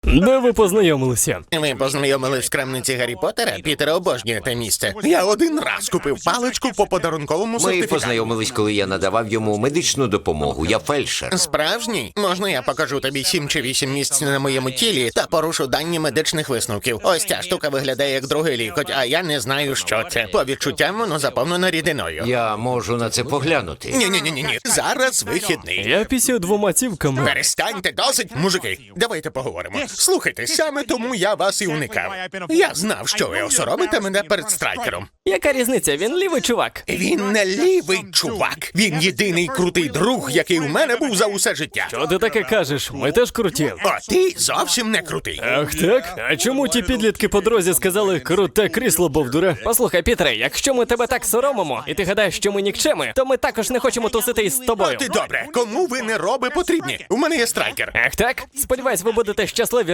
Де ви познайомилися? Ви познайомились в крамниці Гаррі Поттера? Пітер обожнює те місце. Я один раз купив паличку по подарунковому Ми сертифікату. познайомились, коли я надавав йому медичну допомогу. Я фельдшер. Справжній? Можна я покажу тобі 7 чи 8 місць на моєму тілі та порушу дані медичних висновків? Ось ця штука виглядає як другий лікоть, а я не знаю, що це. По відчуттям воно заповнено рідиною. Я можу на це поглянути. Ні. Зараз вихідний. Я пісяю 2 цівками. Перестаньте, досить, мужики. Давайте поговоримо. Слухайте, саме тому я вас і уникав. Я знав, що ви осоромите мене перед страйкером. Яка різниця? Він лівий чувак. Він не лівий чувак. Він єдиний крутий друг, який у мене був за усе життя. Що ти таке кажеш? Ми теж круті. А ти зовсім не крутий. Ах так? А чому ті підлітки по дорозі сказали «круте крісло, бовдуре»? Послухай, Пітре, якщо ми тебе так соромимо, і ти гадаєш, що ми нікчеми, то ми також не хочемо тусити із тобою. Ти добре, кому ви не роби потрібні? У мене є страйкер. Ах так? Сподіваюсь, ви будете щасливі